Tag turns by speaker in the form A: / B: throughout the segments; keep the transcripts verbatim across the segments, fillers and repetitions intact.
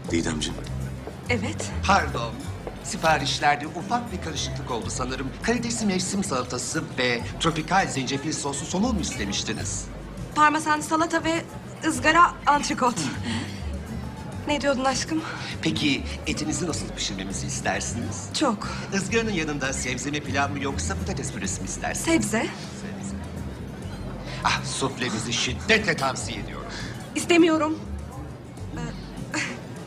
A: Didemciğim.
B: Evet.
C: Pardon. Siparişlerde ufak bir karışıklık oldu sanırım. Karidesli mevsim salatası ve tropikal zencefil soslu somon mu istemiştiniz?
B: Parmesan salata ve ızgara antrikot. Ne diyordun aşkım?
C: Peki etinizi nasıl pişirmemizi istersiniz?
B: Çok.
C: Izgaranın yanında sebze mi pilav mı yoksa patates püresi mi istersiniz?
B: Sebze.
C: Sebze. Ah, suflenizi şiddetle tavsiye ediyorum.
B: İstemiyorum. Ee,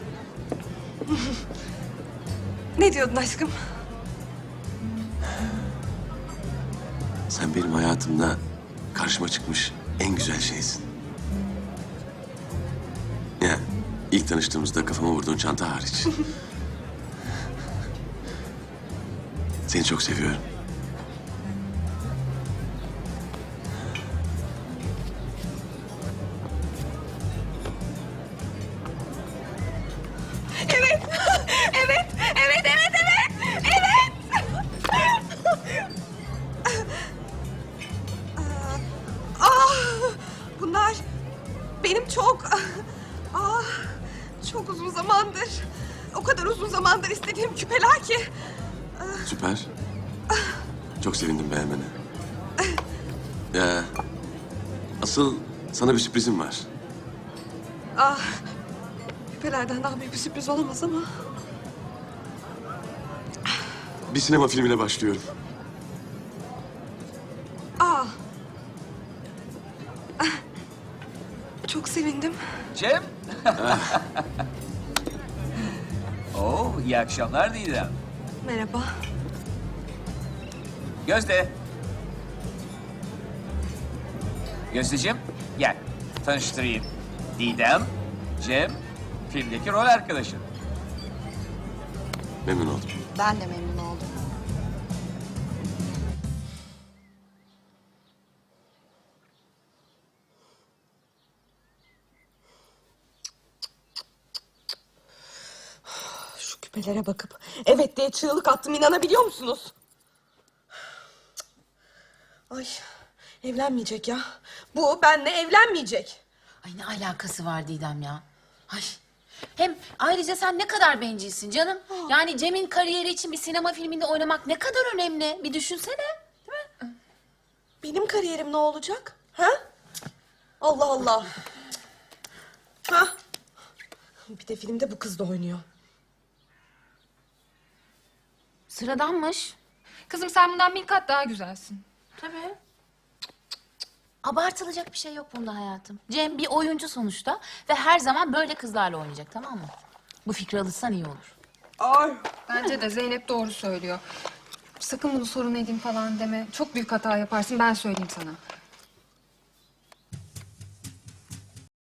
B: Ne diyordun aşkım?
A: Sen benim hayatımda karşıma çıkmış en güzel şeysin. Ya ilk tanıştığımızda kafama vurduğun çanta hariç. Seni çok seviyorum.
B: Evet. Evet. Evet, evet, evet. Evet. Ah, bunlar benim çok ah, çok uzun zamandır, o kadar uzun zamandır istediğim küpeler ki.
A: Süper. Çok sevindim beğenmene. Ya asıl sana bir sürprizim var.
B: Ah, küpelerden daha büyük bir sürpriz olamaz ama.
A: Bir sinema filmine başlıyorum.
B: Ah. Ah, çok sevindim.
D: Cem. Oo, iyi akşamlar Didem.
B: Merhaba.
D: Gözde. Gözdeciğim, gel. Tanıştırayım. Didem, Cem, filmdeki rol arkadaşın.
A: Memnun oldum.
E: Ben de memnun oldum.
B: Şu küpelere bakıp evet diye çığlık attım, inanabiliyor musunuz? Ay, evlenmeyecek ya. Bu benimle evlenmeyecek.
F: Ay ne alakası var Didem ya? Ay. Hem ayrıca sen ne kadar bencilsin canım. Yani Cem'in kariyeri için bir sinema filminde oynamak ne kadar önemli. Bir düşünsene. Değil mi?
B: Benim kariyerim ne olacak? Ha? Allah Allah. Ha? Bir de filmde bu kız da oynuyor.
F: Sıradanmış.
G: Kızım sen bundan bin kat daha güzelsin.
F: Tabii. Abartılacak bir şey yok bunda hayatım. Cem bir oyuncu sonuçta ve her zaman böyle kızlarla oynayacak, tamam mı? Bu fikri alırsan iyi olur.
B: Ay.
G: Bence de Zeynep doğru söylüyor. Sakın bunu sorun edeyim falan deme. Çok büyük hata yaparsın, ben söyleyeyim sana.